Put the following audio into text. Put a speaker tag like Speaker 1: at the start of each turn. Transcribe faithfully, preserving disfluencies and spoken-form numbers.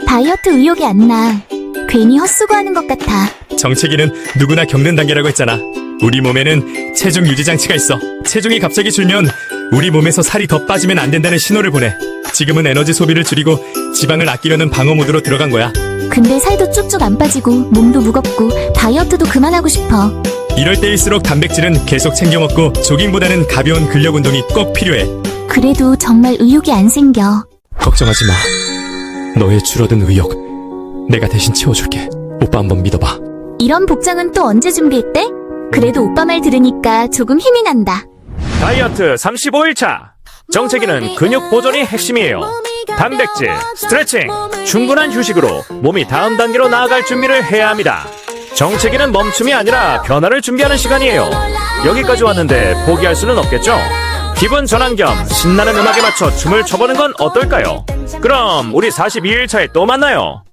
Speaker 1: 다이어트 의욕이 안 나. 괜히 헛수고하는 것 같아.
Speaker 2: 정체기는 누구나 겪는 단계라고 했잖아. 우리 몸에는 체중 유지 장치가 있어. 체중이 갑자기 줄면 우리 몸에서 살이 더 빠지면 안 된다는 신호를 보내. 지금은 에너지 소비를 줄이고 지방을 아끼려는 방어 모드로 들어간 거야.
Speaker 1: 근데 살도 쭉쭉 안 빠지고 몸도 무겁고 다이어트도 그만하고 싶어.
Speaker 2: 이럴 때일수록 단백질은 계속 챙겨 먹고 조깅보다는 가벼운 근력 운동이 꼭 필요해.
Speaker 1: 그래도 정말 의욕이 안 생겨.
Speaker 2: 걱정하지 마. 너의 줄어든 의욕 내가 대신 채워줄게. 오빠 한번 믿어봐.
Speaker 1: 이런 복장은 또 언제 준비했대? 그래도 오빠 말 들으니까 조금 힘이 난다.
Speaker 3: 다이어트 삼십오 일 차. 정체기는 근육 보존이 핵심이에요. 단백질, 스트레칭, 충분한 휴식으로 몸이 다음 단계로 나아갈 준비를 해야 합니다. 정체기는 멈춤이 아니라 변화를 준비하는 시간이에요. 여기까지 왔는데 포기할 수는 없겠죠? 기분 전환 겸 신나는 음악에 맞춰 춤을 춰보는 건 어떨까요? 그럼 우리 사십이 일 차에 또 만나요.